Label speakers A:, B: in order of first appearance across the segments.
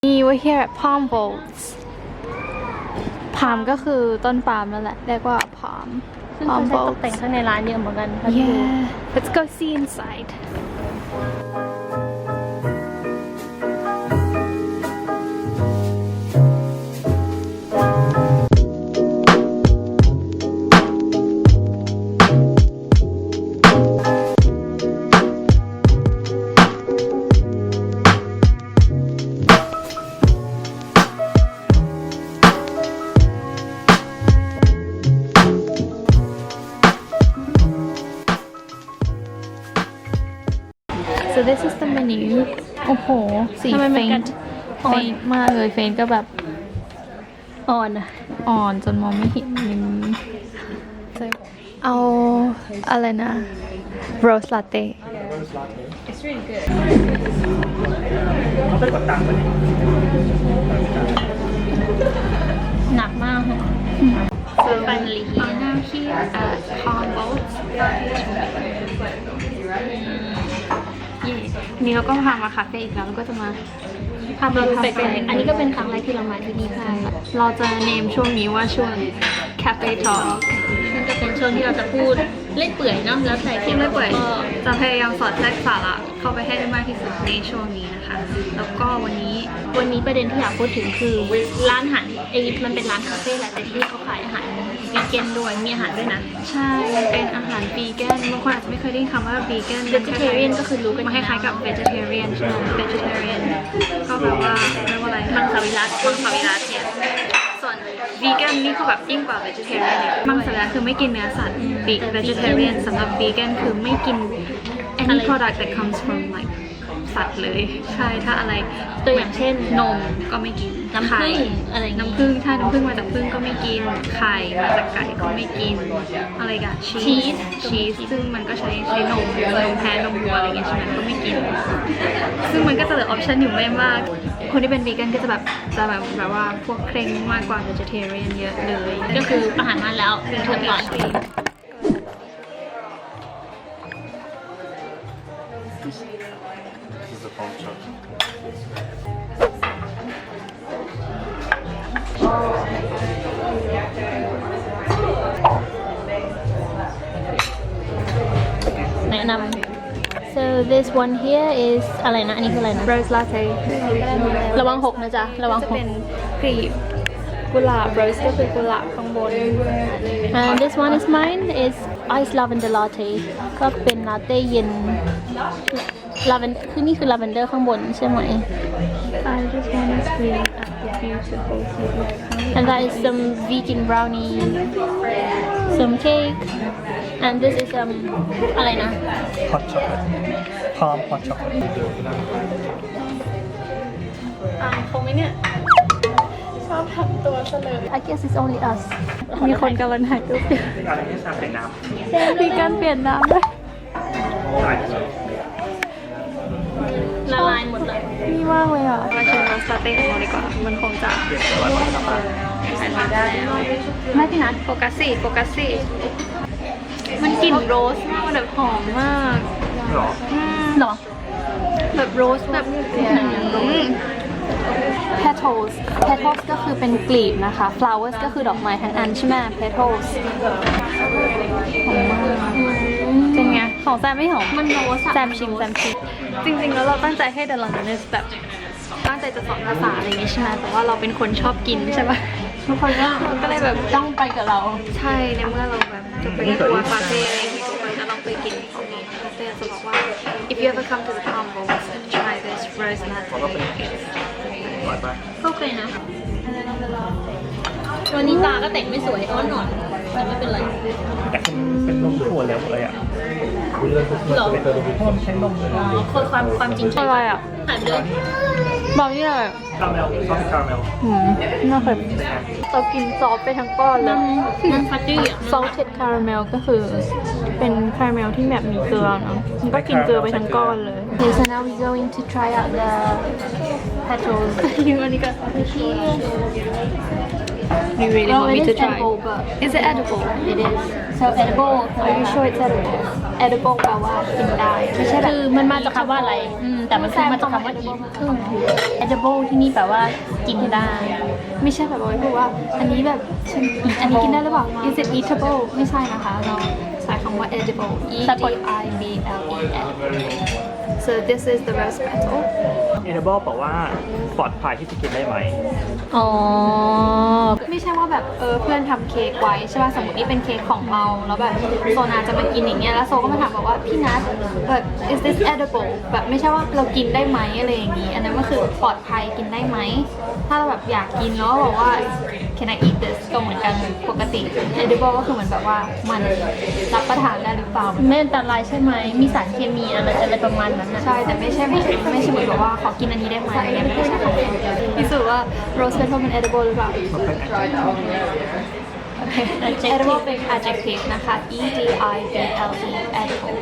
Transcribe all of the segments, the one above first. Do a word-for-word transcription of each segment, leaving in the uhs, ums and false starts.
A: นี่ we're here at Palm Bolts พามก็คือต้นปาล์มนั่นแหละเรียกว่า palm
B: ซึ่งเขาใช้ตกแต่งข้างในร้านเยอะเหมือนกัน
A: yeah let's go see inside so this is the menu โอ้โหสีเฟนเฟนมากเลยเฟนก็แบบอ่อนอะอ่อนจนมองไม่เห็นเอาอะไรนะ rose latte
B: It's really good
C: เขาไปกดตังค์มาดิ
B: หนักมากค่ะ
A: so finally here now here at Palm Bolts นี่เราก็พามาคาเฟ่อีกแล้วแล้วก็จะมา
B: พาไปดูแปลกๆอันนี้ก็เป็นครั้งแรกที่เรามาที่นี่ค่ะ
A: เราจะเนมช่วงนี้ว่าช่วง Cafe Talk
B: ซึ่งจะเป็นช่วงที่เราจะพูดเล่นเปื่อยเนาะแล้วแต่
A: ที่ไม่เปื่อย
B: ก็
A: จะพยายามสอดแทรกสาระเข้าไปให้ได้มากที่สุดในช่วงนี้นะคะ แล้วก็วันนี้
B: วันนี้ประเด็นที่อยากพูดถึงคือร้านอาหารเอยิปต์มันเป็นร้านคาเฟ่แหละแต่ที่นี่เขาขายอาหารวีแกนด้วยมีอาหารด้วยนะ
A: ใช่เป็นอาหารวีแกนบางคนอาจจะไม่เคยได้ยินคำว่าวีแกน
B: vegetarian ก็คือรู้กัน
A: มันคล้ายๆกับ vegetarian ใช่ไหม vegetarian ก็แบบว่าเรียกว่าอะไร
B: มังสวิรัติ
A: มังสวิรัติเนี่ยส่วน vegan นี่เขาแบบยิ่งกว่า vegetarian เนี่ยมังสวิรัติคือไม่กินเนื้อสัตว์ vegetarian สำหรับ vegan คือไม่กิน any product that comes from like สัตว์เลยใช่ถ้าอะไร
B: ตัวอย่างเช่น
A: นมก็ไม่กิน
B: น้ำผึ้งอะไรอย่างงี้
A: น้ำผึ้งถ้าน้ำผึ้งมาจากผึ้งก็ไม่กินไข่มาจากไก่ก็ไม่กินอะไรกันชีสชีสซึ่งมันก็ใช้ใช้นมนมแพะนมวัวอะไรอย่างเงี้ยใช่ไหมก็ไม่กิน ซึ่งมันก็จะเหลือออปชันอยู่ไม่มาก คนที่เป็นวีแกนก็จะแบบจะแบบแบบว่าพวกเคร่งมากกว่า vegetarian เยอะเลย
B: ก็คืออาหารมาแล้วเป็นเชิญก่อน
C: This is a phone charge.
B: แนะนำ so this one here is อะไรนะ อันนี้คืออะไรนะ
A: rose latte
B: ระวังหกนะจ๊ะ ระวัง
A: จะ
B: หก
A: เป็นกลีบกุหลาบ rose ก็คือกุหลาบข้างบน
B: and this one is mine is ice lavender latte ก็เป็นลาเต้เย็น lavender คือนี่คือ lavender ข้างบนใช่ไหม
A: I just want to see the beautiful city
B: and that is some vegan brownie some cake and this is um อะไรนะ
C: Hot chocolate. Palm hot chocolate.
A: อ่าคงไหมเนี่ย ชอบทำตัวเสลย
B: I guess it's only us
A: มีคนกำลังถ่ายรูปอยู่
C: อะไรที่ชาใส่น้ำ
A: มีการเปลี่ยนน้ำด้วย
C: ใส่
B: ละลายหมดเลย
A: นี่มากเลยอ่ะมาชิมรสลาเต้ของเราดีกว่า มันคงจะถ่ายมาได้แล้วไม่พี่นัทโฟกัสสิโฟกัสสิมันกลิ่นโรสมากมันแบบหอมมาก
C: หรอ
B: หรอ
A: แบบโรสแบบpetals petals ก็คือเป็นกลีบนะคะ flowers ก็คือดอกไม้ทั้งอันใช่ไหม petals หอมมากเป็นไง ของแซมไม่หอม
B: มันโรสอะ
A: แซมชิมแซมชิมจริงๆแล้วเราตั้งใจให้ The Londoners แบบตั้งใจจะสอนภาษาอะไรอย่างงี้ใช่ไหมแต่ว่าเราเป็นคนชอบกินใช่ปะ
B: ทุกคนก็
A: ก็เลยแบบ
B: ต้องไปกับเรา
A: ใช่ในเมื่อเราแบบจะไปทัวร์คาเฟ่อะไรอย่างงี้ทุกคนก็ต้องไปกินของนี้คาเฟ่จะบอกว่า if you ever come to the Palm Bolts try this rose latte
C: อร่อยปะ
B: ก็เคยนะ วันนี้ตาก็แต่งไม่สวยอ้อนหนอนแต่ไม่เป็นไร
C: แต่เป็นเป็นนมถั่วแล้วเลยอ่ะ
B: หรอ
C: เพราะมันใช้นมเลย
B: อ๋อคนความความจริงใช่
A: อะไรอ่ะ
B: หายไปเลย
A: บอกนี่เลย
C: คาราเมลซอสคาราเมล
A: หืมน่าเคยเรากินซอสไปทั้งก้อนเลย
B: มันฟัดดี้อ่ะ
A: salted caramel ก็คือเป็นคาราเมลที่แบบมีเกลือเนาะมันก็กินเกลือไปทั้งก้อนเลย Okay so now we going to try out the
B: petals.
A: You only got You really
B: Well,
A: want
B: it
A: me
B: is
A: to try?
B: edible, but
A: Is it edible?
B: it is. So edible.
A: Are you sure it's edible?
B: edible แปลว่ากินได้ไม่ใช่แบบคือมันมาจากคำว่าอะไรอืมแต่มันคือมาจากคำว่า eat คือ edible ที่นี่แปลว่ากินได้
A: ไม่ใช่แบบว่าพูดว่าอันนี้แบบฉันอันนี้กินได้หรือเปล่า Is it eatable ไม่ใช่นะคะเราใช้คำว่า edible E D I B L E edible So this is the rose petal
C: เอเดเบิลบอกว่าปลอดภัยที่จะกินได้ไหม
B: อ๋อ
A: ไม่ใช่ว่าแบบเออเพื่อนทำเค้กไว้ใช่ป่ะสมมตินี่เป็นเค้กของเราแล้วแบบโซนาจะมากินอย่างเงี้ยแล้วโซก็มาถามบอกว่าพี่นัทแบบ is this edible แบบไม่ใช่ว่าเรากินได้ไหมอะไรอย่างงี้อันนั้นก็คือปลอดภัยกินได้ไหมถ้าเราแบบอยากกินแล้วบอกว่า can I eat this ก็เหมือนกันปกติ edible ก็คือเหมือนแบบว่ามันรับประทานได้หรือเปล่า
B: ไม่อันตรายใช่ไหมมีสารเคมีอะไรอะไรประมาณนั้นนะ
A: ใช่แต่ไม่ใช่ไม่ใช่ไม่ใช่เหมือนแบบว่าขอกินอันนี้ได้ไหมอันนี้ไม่ใช่ของพิสูจน์ว่า rose petal เป็น edible หรือเปล่า edible เป็น adjective นะคะ E D I B L E edible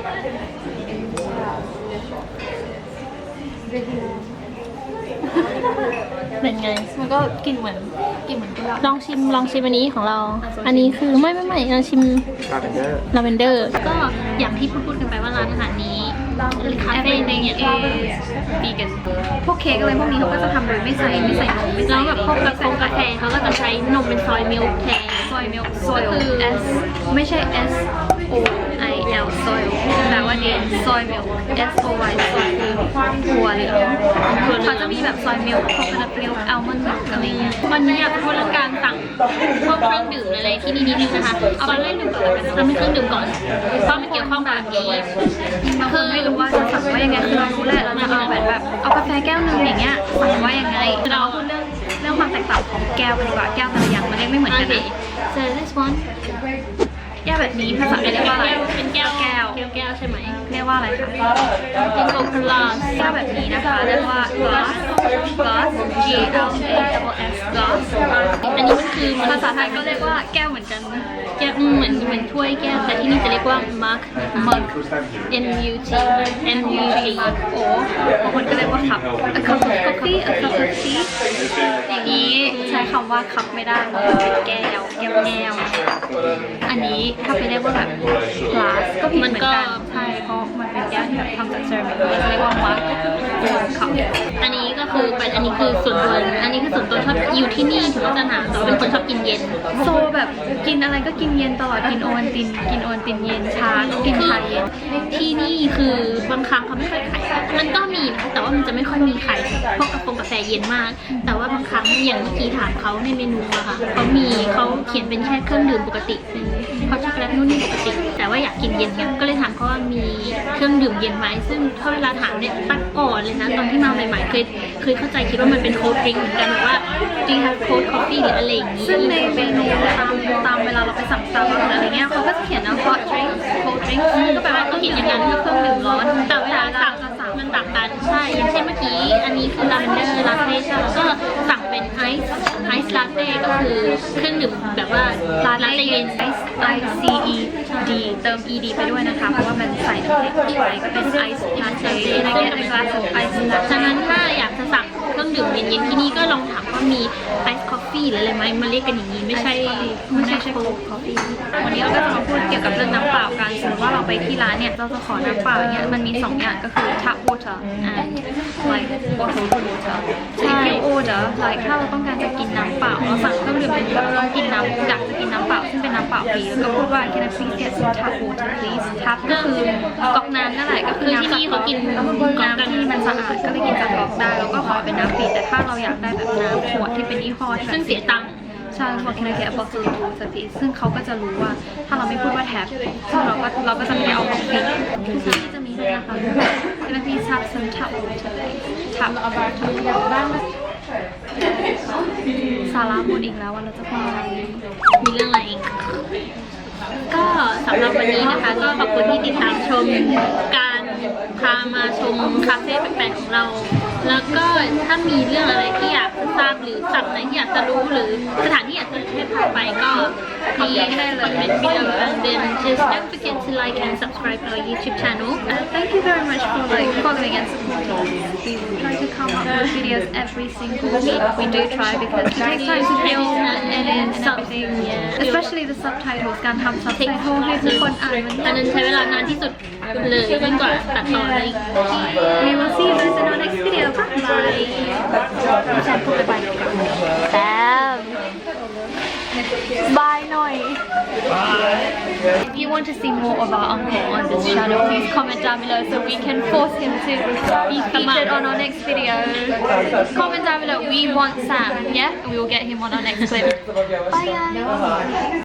B: เป็นไง
A: มันก็กินเหมือนกินเหมือนกุหลาบ
B: ลองชิมลองชิมอันนี้ของเรา อันนี้คือไม่ไม่ไม่ลองชิม
C: ลาเวนเดอร์
B: ลาเวนเดอร์ก็อย่างที่พูดพูดกันไปว่าร้านอาหารนี้คาเฟ่ในเนี่ย
A: วีแกนพวกเค้กอะไรพวกนี้เขาก็จะทำโดยไม่ใส่ไม่ใส่นมไม่
B: แล้
A: ใส่
B: วแบบพวกกาแฟกาแฟเขาก็จะใช้นมเป็นซอยมิลค์แทน
A: ซอยมิลค์ซอย
B: ก็คือ
A: S ไม่ใช่ S O I L ซอยแปลว่าเดนซอยมิลค์ S O Y ซอยคือถั่วเหลืองเขาจะมีแบบซอยมิลค์โคโคนัทมิลค์อัลมอนด์มิลค์อะไรเงี้ย
B: วันนี้อยากพูดเรื่องการสั่งพวกเครื่องดื่มอะไรที่นี่นิดนึงนะคะเอาไปเล่นดื่มก่อนแล้วกันทำเป็นเครื่องดื่มก่อนเพราะมันเกี่ยวข้องกับนี้
A: บางคนไม่รู้ว่าจะสั่งว่ายังไงคือเรารู้แหละเราจะเอาแบบแบบเอากาแฟแก้วหนึงอย่างเงี้ยสั่งว่ายังไงเราพูดเรื่องเรื่องความแตกต่างของแก้วกันดีกว่าแก้วแต่ละอย่างมันเรียกไม่เหมือน
B: โอ
A: กัน
B: เค
A: นะ
B: so this one
A: แก้วแบบนี้ภาษาอังกฤษเรียกว่าอะไร
B: เป็นแก้ว
A: แก้ว
B: แก้วแก้วใช่ไหม
A: เรียกว่าอะไรคะ
B: เป็นโคคาลา
A: แก้วแบบนี้นะคะเรียกว่า glass glass G L A S glass
B: อันนี้มันคือมัน
A: ภาษาไทยก็เรียกว่าแก้วเหมือนกัน
B: แก้วอืมเหมือนเหมือนถ้วยแก้วแต่ที่นี่จะเรียกว่า mug mug M U T M U T
A: โอ้บางคนก็เรียกว่าคัพ a cup of coffee a cup of tea อย่างนี้ใช้คำว่าคัพไม่ได้เพราะมันเป็นแก้วแก้วแก้วอันนี้ถ้าไปเรียกว่าแบบ glass ก็ผิดเหมือนกันใช่เพราะมันเป็นแก้วที่แบบทำจากเซรามิกก็จะเรียกว่า mug คัพ
B: อันนี้ก็คือเป็นอันนี้คือส่วนตัวอันนี้คือส่วนตัวชอบอยู่ที่นี่ถึงว่าจะหนาวแต่ว่าเป็นคนชอบกินเย็น
A: โซแบบกินอะไรก็กินเย็นตลอดกินโอวัลตินกินโอวัลตินเย็นชาก็กินชาเย็น
B: ที่นี่คือบางครั้งเขาไม่ค่อยขายมันก็มีนะแต่ว่ามันจะไม่ค่อยมีขายพวกกาแฟกาแฟเย็นมาก แต่ว่าบางครั้งอย่างเมื่อกี้ถามเขาในเมนูอะค่ะเขามีเขาเขียนเป็นแค่เครื่องดื่มปกติเป็นฮอตช็อกโกแลตนู่นนี่ปกติ แต่ว่าอยากกินเย็นเนี่ยก็เลยถามเขาว่ามีเครื่องดื่มเย็นไหมซึ่งถ้าเวลาถามเนี่ยตั้งก่อนเลยนะตอนที่มาใหม่ๆเคยเคยเข้าใจคิดว่ามันเป็นโค้ดดริงก์เหมือนกันแบบว่าจริงๆโค้ดคอฟฟี่หรืออะไรอย่างนี้
A: ซึ่งในเมนูตามตามเวลาเราไปสั่งซาบะอะไรเงี้ยเขาก็จะเขียนนะ hot drink cold drink ก็แปลว่าเขาเขียนอย่างนั้นก็เครื่องดื่มร้อน
B: แต่เวลาสั่ง
A: จะสั่ง
B: มันต่างกันใช่อย่างเช่นเมื่อกี้อันนี้คือลาเวนเดอร์ลาเต้ใช่ไหมก็สั่งเป็นไอซ์ไอซ์ลาเต้ก็คือเครื่องดื่มแบบว่า
A: ลา
B: ลา
A: เต้
B: เต้
A: เย็
B: เย็
A: น
B: น
A: I C E D เติม E D ไปด้วยนะคะ เพราะว่ามันใส่น้ำแข็งไว้ก็เป็น ice latte ในแก้ว glass of ice
B: ฉะนั้นถ้าอยากจะสั่งเครื่องดื่มเย็นๆที่นี่ก็ลองถามว่ามีไอซ์คอฟฟี่หรืออะไรไหมมาเรียกกันอย่างนี้ไม่ใช่ไม่ใช่
A: cold coffee วันนี้เราก็จะมาพูดเกี่ยวกับเรื่องน้ำเปล่ากันสมมติว่าเราไปที่ร้านเนี่ยเราจะขอน้ำเปล่าเนี่ยมันมีสองอย่างก็คือ tap water and like bottled water so if you order like ถ้าเราต้องการจะกินน้ำเปล่าเราสั่งเครื่องดื่มเป็นเราต้องกินน้ำอยากจะกินน้ำเปล่าซึ่งเป็นน้ำเปล่าฟรีแล้วก็พูดว่า can I please get some tap water please tap ก็คือก๊อกน้ำนั่นแหละก็คือน้ำ
B: ที่นี่เขากินก๊อกกัน
A: น้ำที่มันสะอาดก็เลยกินจากก๊อกได้แล้วก็ขอเป็นน้ำฟรีแต่ถ้าเราอยากได้แบบน้ำขวดที่เป็นยี่ห้อที่แบบ
B: ซึ่งเสียตังค์
A: ใช่พอ can I get a bottle of water please ซึ่งเขาก็จะรู้ว่าถ้าเราไม่พูดว่า tap เราก็เราก็จะไม่ได้เอาของฟรีคือที่นี่จะมีด้วยนะคะ can I please have some tap water please tap water สาระหมดอีกแล้วว่าเราจะพูดอะไร
B: มีเรื่องอะไรอีกก็สำหรับวันนี้นะคะก็ขอบคุณที่ติดตามชมการพามาชมคาเฟ่แปลกๆของเรา แล้วก็ถ้ามีเรื่องอะไรที่อยากทราบหรือรือศัพท์ไหนที่อยากจะรู้หรือสถานที่อยากจะให้พาไปก็คอมเมนต์ได้เลย below and then just don't forget to like and subscribe our YouTube channel.
A: Uh, thank you very much for like following and supporting us. We try to come up with videos every single week. We do try because it takes time to film and edit and everything.
B: Yeah.
A: Especially the subtitles การทำ subtitle ให้ทุกคนอ่านมัน
B: อันนั้นใช้เวลานานที่สุดเลยยิ่งกว่าตัดต่อเลย
A: We will see you guys in our next video. Bye. พี่แชมป์พูดไปแซมบายหน่อย If you want to see more of our uncle on this channel, please comment down below so we can force him to be featured on our next video. Comment down below, we want Sam, yeah? And we will get him on our next clip. Bye guys.